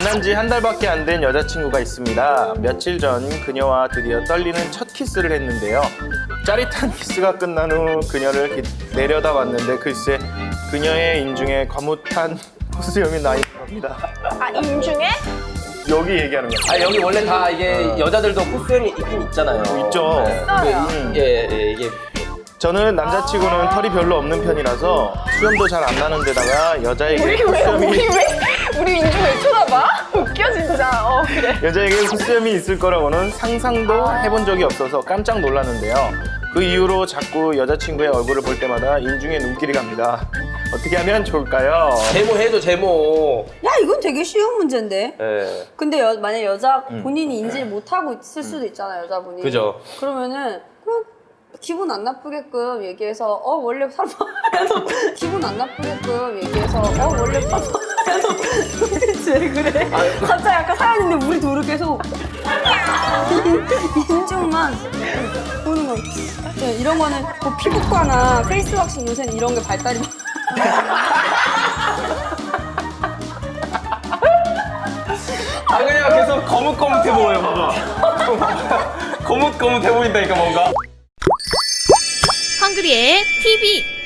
만난 지 한 달밖에 안 된 여자친구가 있습니다. 며칠 전 그녀와 드디어 떨리는 첫 키스를 했는데요. 짜릿한 키스가 끝난 후 그녀를 내려다봤는데 글쎄 그녀의 인중에 거뭇한 호수염이 나 있는 겁니다. 아, 인중에? 여기 얘기하는 거예요. 아 여기 원래 다 이게 여자들도 코수염이 있긴 있잖아요. 있죠. 네. 있어요. 이게 저는 남자치고는 털이 별로 없는 편이라서 수염도 잘 안 나는 데다가 여자에게 우리 인중 왜 쳐다봐? 웃겨 진짜. 그래. 여자에게 콧수염이 있을 거라고는 상상도 해본 적이 없어서 깜짝 놀랐는데요. 그 이후로 자꾸 여자친구의 얼굴을 볼 때마다 인중에 눈길이 갑니다. 어떻게 하면 좋을까요? 제모 해줘 제모. 야, 이건 되게 쉬운 문제인데. 예. 근데 만약 여자 본인이 인지를 못하고 있을 수도 있잖아요, 여자분이. 그죠. 그러면은 그냥 기분 안 나쁘게끔 얘기해서 원래 살봐 기분 안 나쁘게끔 얘기해서 원래 살봐 도대체 왜 그래? 갑자기 아까 사연인데 우리 둘이 계속 인중만 보는 거. 네, 이런 거는 뭐 피부과나 페이스 왁싱 요새는 이런 게 발달이 아 그냥 계속 거뭇거뭇해 보여요 봐봐. 거뭇거뭇해 보인다니까 뭔가. 헝그리의 TV